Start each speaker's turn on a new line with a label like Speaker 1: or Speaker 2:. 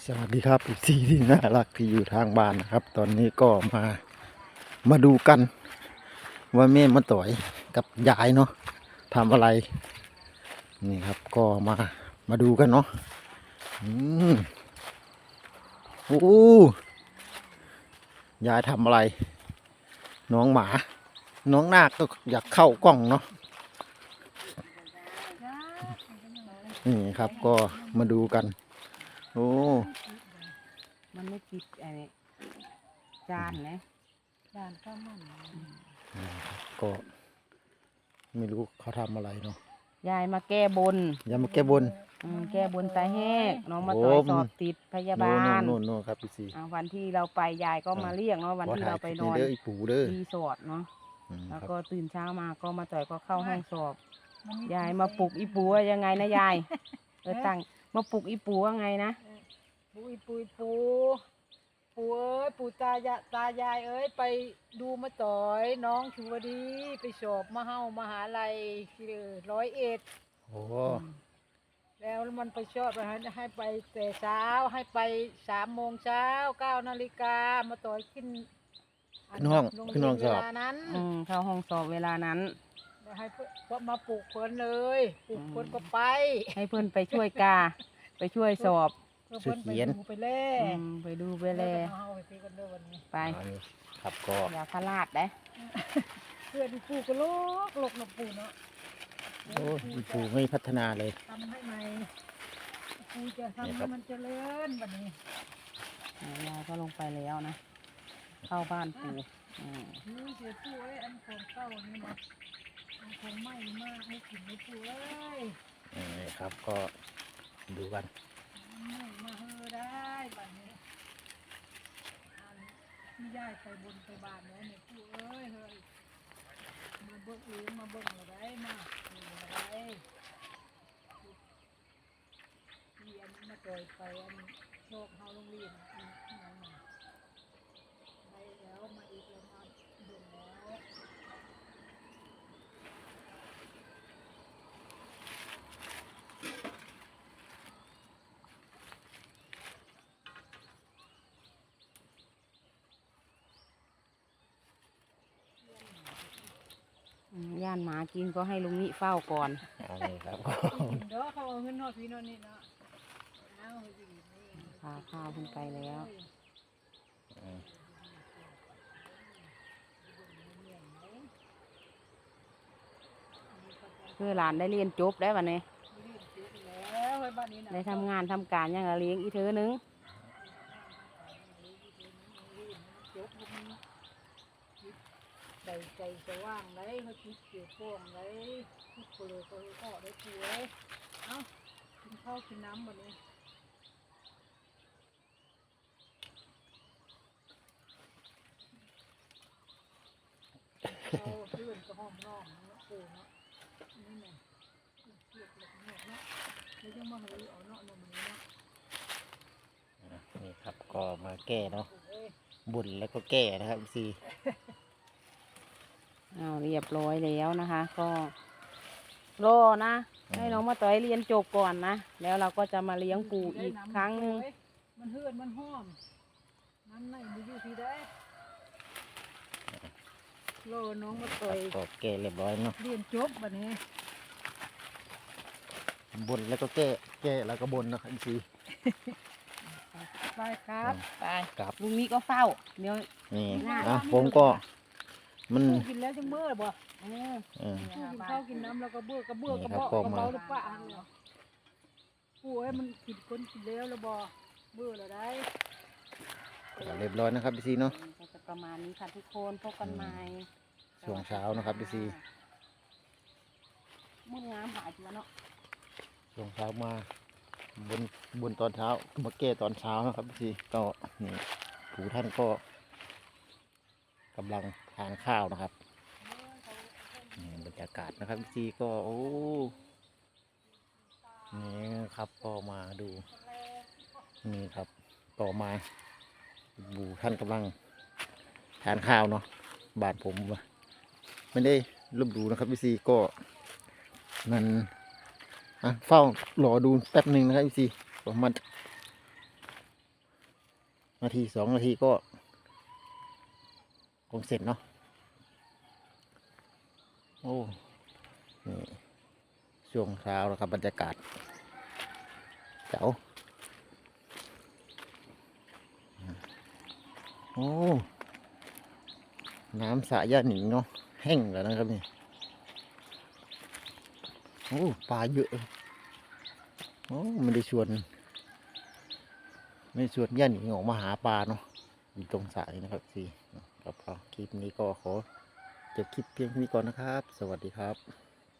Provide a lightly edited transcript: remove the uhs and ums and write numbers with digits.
Speaker 1: สวัสดีครับอีกซีที่น่ารักที่อยู่ทางบ้านนะครับ ตอนนี้ก็มาดูกันว่าแม่มาต่อยกับยายเนาะทำอะไรนี่ครับก็มาดูกันเนาะอืมโอ้ยายทำอะไรน้องหมาน้องนาคก็อยากเข้ากล้องเนาะนี่ครับก็มาดูกันโอ้
Speaker 2: มันไม่ติดอะไรจานนะจานข้าวมัน
Speaker 1: ก็ไม่รู้เขาทำอะไรเนาะ
Speaker 2: ยายมาแก้บน
Speaker 1: ยายมาแก้บน
Speaker 2: แก้บนตาแหกน้องมาต่อยสอบติดพยาบาล
Speaker 1: โน่นครับพี่ซี
Speaker 2: วันที่เราไปยายก็มาเรียกเนาะวันที่เราไปนอนรีสอร์ทเนาะแล้วก็ตื่นเช้ามาก็มาต่อยก็เข้าห้องสอบยายมาปลุกอีปูว่ายังไงนะยายตั้งมาปลุกอีปูว่าไงนะ
Speaker 3: ปูเอ้ยปูตายายเอ้ยไปดูมาต่อยน้องชูวดีไปสอบมหาลัย101
Speaker 1: โอ้
Speaker 3: แล้วมันไปชอบให้ไปแต่เช้าให้ไป3 โมงเช้า9 นาฬิกามาต่อยขึ้น
Speaker 1: ห้องสอบ
Speaker 3: นั้น
Speaker 2: เข้าห้องสอบเวลานั้น
Speaker 3: ให้เพื่อนมาปลุกเพื่อนเลยปลุกเพื่อนก็ไป
Speaker 2: ให้เพื่อนไปช่วยกาไปช่วยสอบ
Speaker 1: ช่วยเขียน
Speaker 3: ไปเล่
Speaker 2: ไปดูไปเล่ไป
Speaker 1: ครับก็
Speaker 2: อย่าพลาดได้
Speaker 3: เพื่อนปูก็ลกหนกปูเนาะ
Speaker 1: โอ้ปูไม่พัฒนาเลย
Speaker 3: ทำให้ใหม่ปูจะทำให้มันเจริญแบบนี้
Speaker 2: ยายก็ลงไปแล้วนะเข้าบ้านปู
Speaker 3: เสียปูเอ้ยอันของเก่านี่นะอันของใหม่มากให้กินไม่ปูเอ้ย
Speaker 1: ครับก็ดูกัน
Speaker 3: มาเฮอได้แบบนี้ที่ย้ายไปบนไปบานแล้วเนี่ยปูเอ้ยเฮ้ยมาเบิ่งเองมาเบิ่งอะไรมาอะไรที่อันมาต่อยไปอันโชคเฮาโรงเรียนไปแล้วมาอีกแล้วมาเบิ่งแล้ว
Speaker 2: ย่านหมากินก็ให้ลุงนิเฝ้าก่อน
Speaker 1: ครับ
Speaker 3: เดี๋ยวเขาเอาเงินนอดพี่นอดนี่เนาะ
Speaker 2: พาข้าวขึ้นไปแล้วเพื่อหลานได้เรียนจบได้วันนี้ได้ทำงานทำการยังเลี้ยงอีเธอนึง
Speaker 3: ใจสว่างเลยเขาคิดเกี่ยวข้องเลยคิดเลยก็ได้ปูเลยเอ้ากินข้าวกินน้ำวันนี้เอาเพื่อนก็ห้อมน้องเนาะปูเนาะนี่ไงเกี่ยวกับเนาะแล้วยังมาเฮ้ยเอาเนาะนมนี้เนาะ
Speaker 1: นี่ครับก็มาแก้เนาะบุญแล้วก็แก้นะครับซี
Speaker 2: เรียบร้อยแล้วนะคะก็รอนะให้น้องมาต่อยเรียนจบก่อนนะแล้วเราก็จะมาเลี้ยงปูอีกครั้งนึง
Speaker 3: มันเฮือนมันห้อมน้ำไหนมีอยู่ที่ได้รอน้องมาต่อย
Speaker 1: ก็แก้เรียบร้อยเนาะ
Speaker 3: เรียนจบแบบนี้
Speaker 1: บุญแล้วก็แก้แล้วก็บนนะครับซี
Speaker 3: ไปครับ
Speaker 2: ไปกับลุงนี้ก็เฝ้าเดี๋ยว
Speaker 1: นี่ผมก็มัน
Speaker 3: กินแล้วจังเบื่อบ่กินข้าวกินน้ำแล้วก็เบื่อกระเบ้ากระเบาหรือเปล่าปูให้มันกินคนกินแล้วแล้วบ่เบื่อแล้วได้
Speaker 1: เรียบร้อยนะครับพี่ซีเนาะ
Speaker 2: จะประมาณนี้ค่ะทุกคนพบกันใหม่
Speaker 1: ช่วงเช้านะครับพี่ซี
Speaker 2: มุ่งงามหายตัวเนาะ
Speaker 1: ช่วงเช้ามาบนตอนเช้ามาแก้ตอนเช้านะครับพี่ซีก็นี่ผู้ท่านก็กำลังทานข้าวนะครับบรรยากาศนะครับพี่ซีก็โอ้นี่ครับก็มาดูนี่ครับต่อมาบูท่านกำลังทานข้าวเนาะบ้านผมไม่ได้ลบดูนะครับพี่ซีก็นั่นเฝ้ารอดูแป๊บหนึ่งนะครับพี่ซีประมาณนาที2 นาทีก็คงเสร็จเนาะโอ้นี่ช่วงเช้าแล้วครับบรรยากาศเจ๋วโอ้น้ำสระย่าหนิงเนาะแห้งแล้วนะครับนี่โอ้ปลาเยอะโอ้ไม่ได้ชวนย่าหนิงออกมาหาปลาเนาะอยู่ตรงสระนี้นะครับสิครับคลิปนี้ก็ขอจบคลิปเพียงเท่านี้ก่อนนะครับ สวัสดีครับ